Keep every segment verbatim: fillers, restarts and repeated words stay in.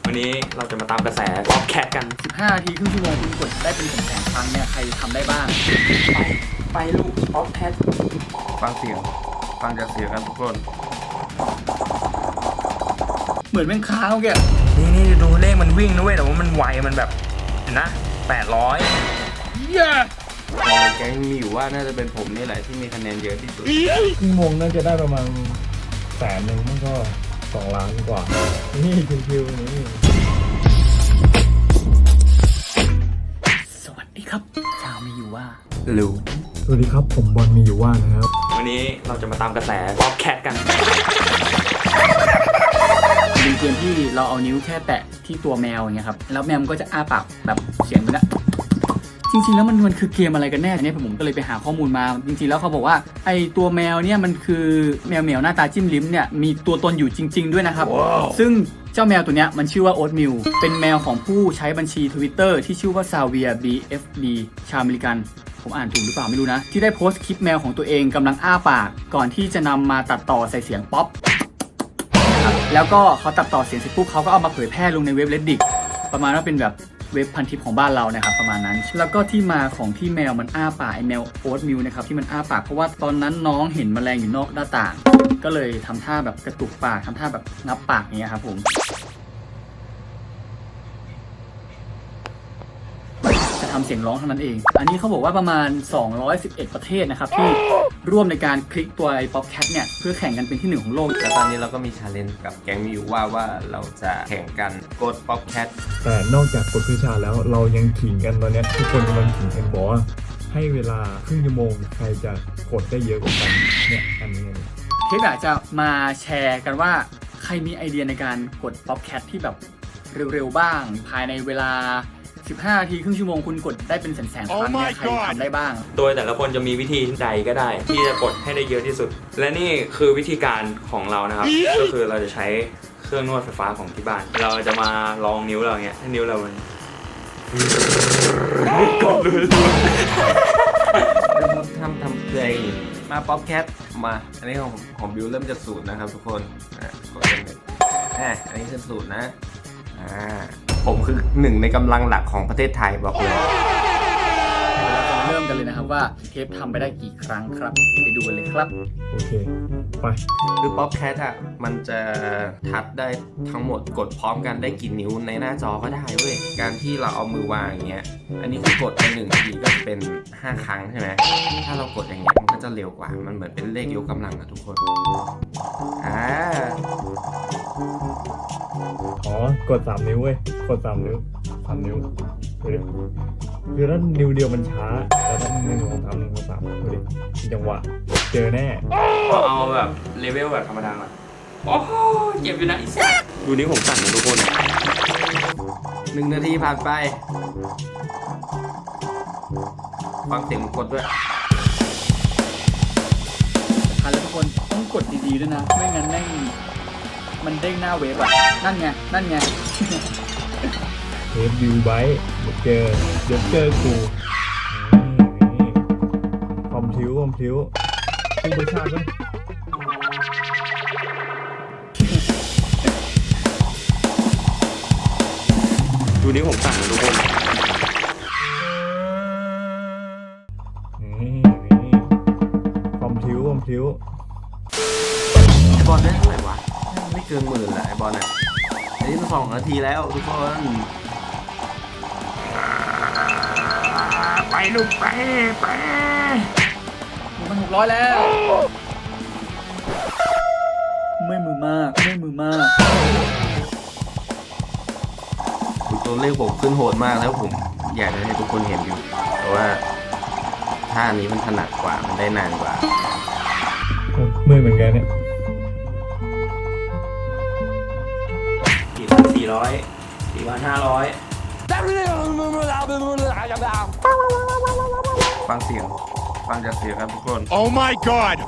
วันนี้เราจะมาตามกระแสป๊อปแคทกันสิบห้านาทีครึ่งชั่วโมงคุณกดได้เป็นแสนครั้งเนี่ยใครทำได้บ้างไปไปลูกป๊อปแคทฟังเสียงฟังจากเสียงกันทุกคนเหมือนแม่งค้างแกนี่นี่ดูเลขมันวิ่งนะเว้ยแต่ว่ามันไวมันแบบเห็นนะแปดร้อยเย้แกงมีอยู่ว่าน่าจะเป็นผมนี่แหละที่มีคะแนนเยอะที่สุดครึ่งโมงน่าจะได้ประมาณแสนหนึ่งมันก็สองล้านกว่านี่คิวๆนี่สวัสดีครับชาวมีอยู่ว่ารู้สวัสดีครับผมบอลมีอยู่ว่านะครับวันนี้เราจะมาตามกระแสป๊อปแคทกันเป็นเกมที่เราเอานิ้วแค่แตะที่ตัวแมวอย่างเงี้ยครับแล้วแมวมันก็จะอ้าปากแบบเสียงมันนะจริงๆแล้วมันมันคือเกมอะไรกันแน่เนี่ยผมก็เลยไปหาข้อมูลมาจริงๆแล้วเขาบอกว่าไอตัวแมวเนี่ยมันคือแมวเหมียวหน้าตาจิ้มลิ้มเนี่ยมีตัวตนอยู่จริงๆด้วยนะครับ wow. ซึ่งเจ้าแมวตัวเนี้ยมันชื่อว่าโอ๊ตมิลเป็นแมวของผู้ใช้บัญชี Twitter ที่ชื่อว่าซาเวีย บี เอฟ ดี ชาวอเมริกันผมอ่านถูกหรือเปล่าไม่รู้นะที่ได้โพสต์คลิปแมวของตัวเองกำลังอ้าปากก่อนที่จะนำมาตัดต่อใส่เสียงป๊อปแล้วก็เขาตัดต่อเสียงเสร็จปุ๊บเขาก็เอามาเผยแพร่ลงในเว็บ Reddit ประมาณว่าเป็นแบบเว็บพันทิปของบ้านเรานะครับประมาณนั้นแล้วก็ที่มาของที่แมวมันอ้าปากไอแมวโอ๊ตมิลนะครับที่มันอ้าปากเพราะว่าตอนนั้นน้องเห็นแมลงอยู่นอกหน้าต่างก็เลยทำท่าแบบกระตุกปากทำท่าแบบงับปากอย่างเงี้ยครับผมจะทำเสียงร้องเท่านั้นเองอันนี้เขาบอกว่าประมาณสองร้อยสิบเอ็ดประเทศนะครับที่ร่วมในการคลิกตัวไอ้ป๊อปแคทเนี่ยเพื่อแข่งกันเป็นที่หนึ่งของโลกแต่ตอนนี้เราก็มีชาเลนจ์กับแก๊งมีอยู่ว่าว่าเราจะแข่งกันกดป๊อปแคทแต่นอกจากกดเพื่อชาแล้วเรายังขิงกันตอนนี้ทุกคนกำลังขิงกันบอกว่าให้เวลาครึ่งชั่วโมงใครจะกดได้เยอะกว่ากันเนี่ยอันนี้เทปอยากจะมาแชร์กันว่าใครมีไอเดียในการกดป๊อปแคทที่แบบเร็วๆบ้างภายในเวลาสิบห้านาทีครึ่งชั่วโมงคุณกดได้เป็นแสนๆครั้งเนี่ยใครทำได้บ้างโดยแต่ละคนจะมีวิธีใดก็ได้ที่จะกดให้ได้เยอะที่สุดและนี่คือวิธีการของเรานะครับก็คือเราจะใช้เครื่องนวดไฟฟ้าของที่บ้านเราจะมาลองนิ้วเราเงี้ยให้นิ้วเรามันกดเลยทำทำเพลงมาป๊อปแคทมาอันนี้ของของบิวเริ่มจากศูนย์นะครับทุกคนอ่ะกดเป็นอ่ะอันนี้คือศูนย์นะอ่าผมคือหนึ่งในกำลังหลักของประเทศไทยบอกเลยเราจะเริ่มกันเลยนะครับว่าเทปทำไปได้กี่ครั้งครับไปดูกันเลยครับโอเคไปคือป๊อปแคทอ่ะมันจะทัดได้ทั้งหมดกดพร้อมกันได้กี่นิ้วในหน้าจอก็ได้เว้ยการที่เราเอามือวางอย่างเงี้ยอันนี้คือกดไปหนึ่งทีก็เป็นห้าครั้งใช่ไหมถ้าเรากดอย่างเงี้ยมันก็จะเร็วกว่ามันเหมือนเป็นเลขยกกำลังอะทุกคนอ่าอ๋อกดสามนิ้วเว้ยกดสามนิ้วสามนิ้วดูดิคือถ้านิ้วเดียวมันช้าแล้วถ้าหนึ่งสองสามหนึ่งสองสามดูดิจังหวะเจอแน่เอาแบบเลเวลแบบธรรมดาอ่ะโอ้เจ็บอยู่นะอีสัสดูนี้ผมสั่นนะทุกคนหนึ่งนาทีผ่านไปฟังเสียงกดด้วยทันแล้วทุกคนต้องกดดีๆด้วยนะไม่งั้นแม่งมันเด้งหน้าเว็บอ่ะนั่นไงนั่นไงเทปวิวไบต์เจอเดี๋ยวเจอกูคอมพิวคอมพิวตู้ประชาชนดูนี้ผมสั่นนะทุกคนนี่นี่คอมพิวคอมพิวบอลได้เท่าไหร่วะไม่เกินหมื่นแหละไอบอลอ่ะอันนี้สองนาทีแล้วทุกคนไปลูกไปไปมันหกร้อยแล้วไม่มือมากไม่มือมากตัวเลขผมขึ้นโหดมากแล้วผมอยากจะให้ทุกคนเห็นอยู่เพราะว่าท่านี้มันถนัดกว่ามันได้นานกว่าเมื่อยเหมือนกันเนี่ยสี่พันสี่ร้อยสี่พันห้าร้อยฟังเสียงฟังจากเสียงครับทุกคน Oh my god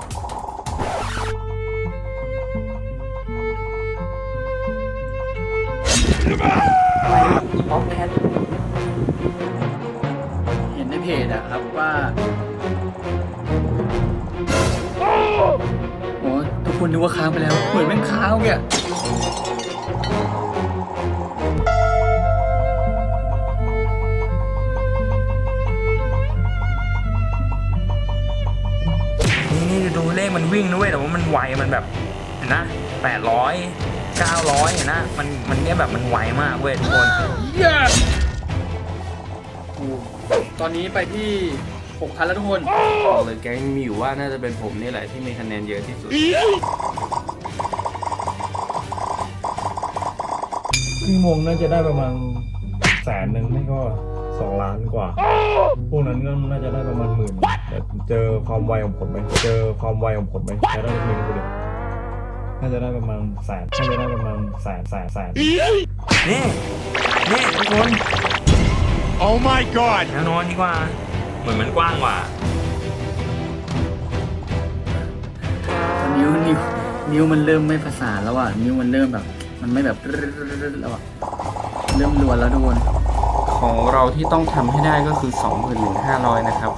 ป๊อปแคทเห็นในเพจอะครับว่าโอ้ทุกคนนึกว่าค้างไปแล้วเหมือนแม่งค้างแกวิ่งนะเว้ยแต่ว่ามันไวมันแบบเห็นนะแปดร้อยเก้าร้อยเห็นนะมันมันเนี่ยแบบมันไวมากเว้ยทุกคน yes ตอนนี้ไปที่หกพันแล้วทุกคนบอกเลยแก๊งมีอยู่ว่าน่าจะเป็นผมนี่แหละที่มีคะแนนเยอะที่สุดครึ่งโมงน่าจะได้ประมาณแสนหนึ่งไม่ก็สองล้านกว่า พวกนั้นก็น่าจะได้ประมาณหมื่นแต่เจอความไวของผมไหมเจอความไวของผมไหมใช้ได้หนึ่งคนเดียวน่าจะได้ประมาณแสนน่าจะได้ประมาณแสนแสนแสนนี่นี่ทุกคน Oh my god แนวนอนดีกว่าเหมือนมันกว้างกว่าตอนนิ้วนิ้วนิ้วมันเริ่มไม่ประสานแล้วอ่ะนิ้วมันเริ่มแบบ มันไม่แบบแล้วอ่ะเริ่มรวนแล้วทุกคนของเราที่ต้องทำให้ได้ก็คือ สองหมื่นหนึ่งพันห้าร้อย นะครับ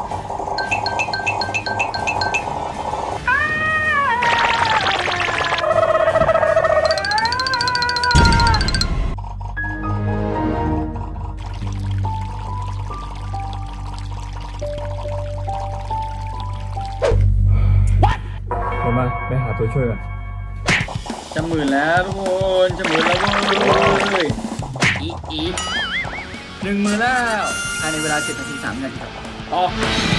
เดี๋ยวมาไปหาตัวช่วยก่อนจะหมื่นแล้วทุกคนจะหมื่นแล้วเว้ยอีอีหนึ่งหมื่นแล้วภายในเวลาเจ็ดนาทีสามนาทีครับอ๋อ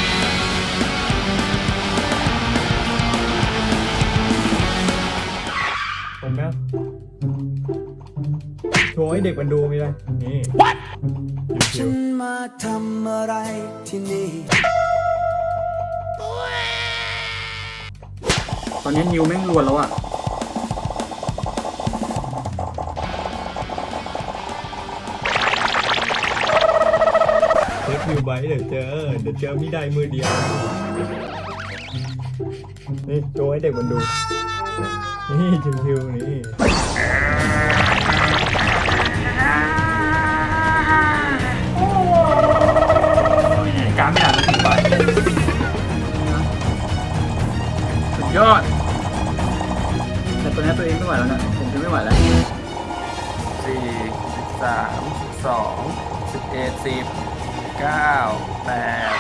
ผมนะโชว์ให้เด็กมันดูมีอะไรนี่ชิฉัวนมาทำอะไรที่นี่ตอนนี้นิ้วแม่งรวนแล้วอ่ะๆเช็ควิวไบท์เดี๋ยวเจอเดี๋ยวเจอมิได้มือเดียวนี่โชว์ให้เด็กมันดูนี่ชิวๆนี่การไม่อ่านมันถึงไปสุดยอดแต่ตัวนี้ตัวเองไม่ไหวแล้วนะผมจะไม่ไหวแล้วสี่ สิบสาม สิบสอง สิบเอ็ด สิบ เก้า แปด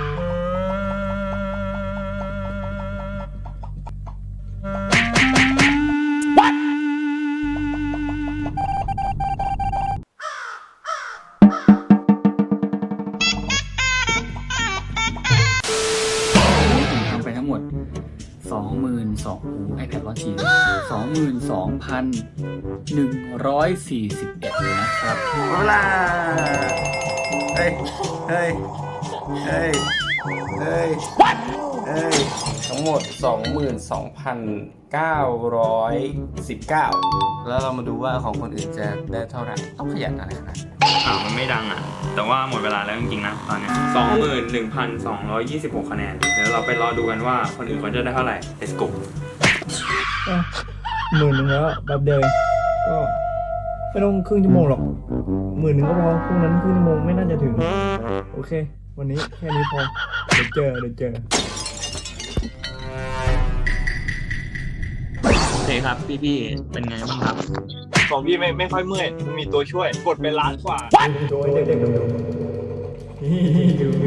ผมทำไปทั้งหมด สองหมื่นสองพัน โอ้ไอแพดร้อนจีสองหมื่นสองพันหนึ่งร้อยสี่สิบเอ็ดนะครับเวลาเฮ้ย เฮ้ย เฮ้ย เฮ้ย เฮ้ย ทั้งหมด สองหมื่นสองพันเก้าร้อยสิบเก้า แล้วเรามาดูว่าของคนอื่นจะได้เท่าไหร่ ต้องขยันอะไรขนาดนั้นอ่ามันไม่ดังอ่ะ แต่ว่าหมดเวลาแล้วจริงๆนะตอนนี้สองหมื่นหนึ่งพันสองร้อยยี่สิบหกคะแนน เดี๋ยวเราไปรอดูกันว่าคนอื่นเขาจะได้เท่าไหร่ let's go อ่ะหมื่นหนึ่งแล้วแป๊บเดียวเองก็ไม่ต้องครึ่งชั่วโมงหรอกหมื่นหนึ่งก็พอพวกนั้นครึ่งชั่วโมงไม่น่าจะถึง โอเค วันนี้แค่นี้พอเดี๋ยวเจอเดี๋ยวเจอโอเคครับพี่ๆเป็นไงบ้างครับของพี่ไม่ไม่ค่อยเมื่อยมีตัวช่วย กดไปล้านกว่าโชว์ให้เด็กๆดูนี่ดูดู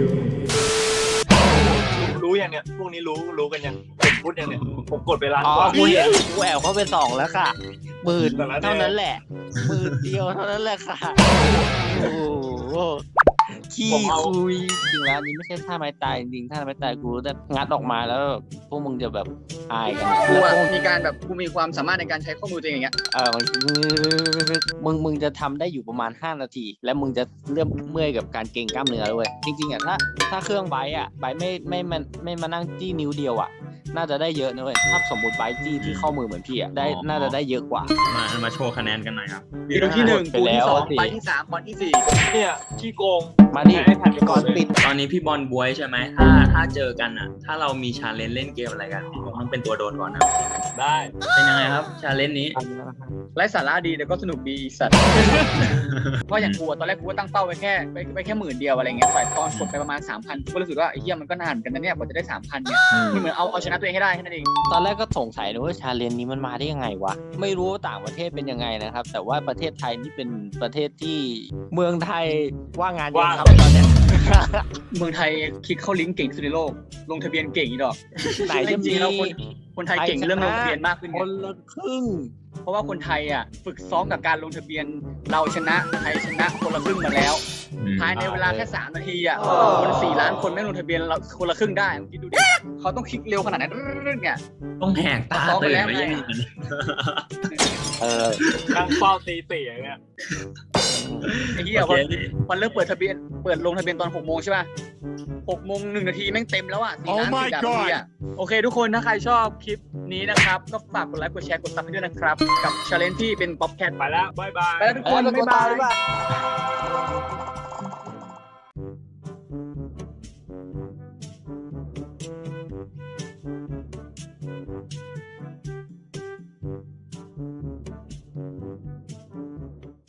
รู้ยังเนี่ย พวกนี้รู้รู้กันยังเป็นพุทธยังเนี่ย ผมกดไปล้านอ๋อกว่ากูเห็นกูแอบเข้าไปส่องแล้วค่ะหมื่นแต่ละแนวเท่านั้นแหละหมื่นเดียวเท่านั้นแหละค่ะ โอ้โหขี้คุยจริงแล้วอันนี้ไม่ใช่ท่าไม้ตายจริงๆท่าไม้ตายกูแต่งัดออกมาแล้วพวกมึงจะแบบอายกันกูอะมีการแบบกูมีความสามารถในการใช้ข้อมือตัวเองอย่างเงี้ยเออมันมึงมึงจะทำได้อยู่ประมาณห้านาที แล้วมึงจะเริ่มเมื่อยกับการเกร็งกล้ามเนื้อด้วยจริงๆอ่ะถ้าถ้าเครื่องไบค์อ่ะไบค์ไม่ไม่ไม่ไม่มานั่งจี้นิ้วเดียวอ่ะน่าจะได้เยอะนะเว้ยถ้าสมมติไบค์จี้ที่ข้อมือเหมือนพี่อ่ะได้อ๋อน่าจะได้เยอะกว่ามามาโชว์คะแนนกันหน่อยครับปีที่หนึ่งไปปูแล้ที่วสองสิไปที่สามบอลที่สี่เนี่ยขี้โกงมาดิให้แผ่นไปก่ก่ออน นเลยปิดตอนนี้พี่บอลบวยใช่ไหมถ้าถ้าเจอกันอ่ะ ถ้าเรามีชาเลนจ์เล่นเกมอะไรกันพี่บอลต้องเป็นตัวโดนก่อนนะได้เป็นยังไงครับชาเลนจ์นี้ไร้สาระดีแต่ก็สนุกดีอีสัตว์ เพราะอย่างกูอะตอนแรกกูก็ตั้งเป้าไว้แค่ไปไปแค่หมื่นเดียวอะไรเงี้ยแต่ตอนกดไปประมาณสามพันกูก็รู้สึกว่าไอ้เหี้ยมันก็นานเหมือนกันนะเนี่ยกว่าจะได้สามพันเนี่ยมันเหมือนเอาเอาชนะตัวเองให้ได้แค่นั้นเองตอนแรกก็สงสัยนะว่าชาเลนจ์นี้มันมาได้ยังไงวะ ไม่รู้ว่าต่างประเทศเป็นยังไงนะครับ แต่ว่าประเทศไทยนี่เป็นประเทศที่เมืองไทยว่างงานเยอะครับตอนเนี้ยเมืองไทยคลิกเข้าลิงก์เก่งที่สุดในโลกลงทะเบียนเก่งอีดอกไหนจะจริมีงๆแล้วคนคนไทยเก่งเรื่องลงทะเบียนมากขึ้นคไงนละครึ่งเพราะว่าคนไทยอ่ะฝึกซ้อมกับการลงทะเบียนเราชนะไทยชนะคนละครึ่งมาแล้วภายในเวลาแค่สามนาทีอ่ะคนสี่ล้านคนไม่ลงทะเบียนเราคนละครึ่งได้คิดดูดิเขาต้องคลิกเร็วขนาดนั้นเนี่ยต้องแหกตาตื่นไม่ใช่เออนั่งเฝ้าตีสี่อย่างเงี้ยไอ้เหี้ยวันวันเริ่มเปิดทะเบียนเปิดลงทะเบียนตอนหกโมงใช่ป่ะหกโมงหนึ่งนาทีแม่งเต็มแล้วอ่ะสี่ล้านสี่ล้านนาทีอ่ะโอเคทุกคนถ้าใครชอบคลิปนี้นะครับก็ฝากกดไลค์กดแชร์กดซับให้ด้วยนะครับกับชาเลนจ์ที่เป็นป๊อปแคทไปแล้ว บ๊ายบายไปแล้วทุกคนเออบ๊ายบายบ๊ายบาย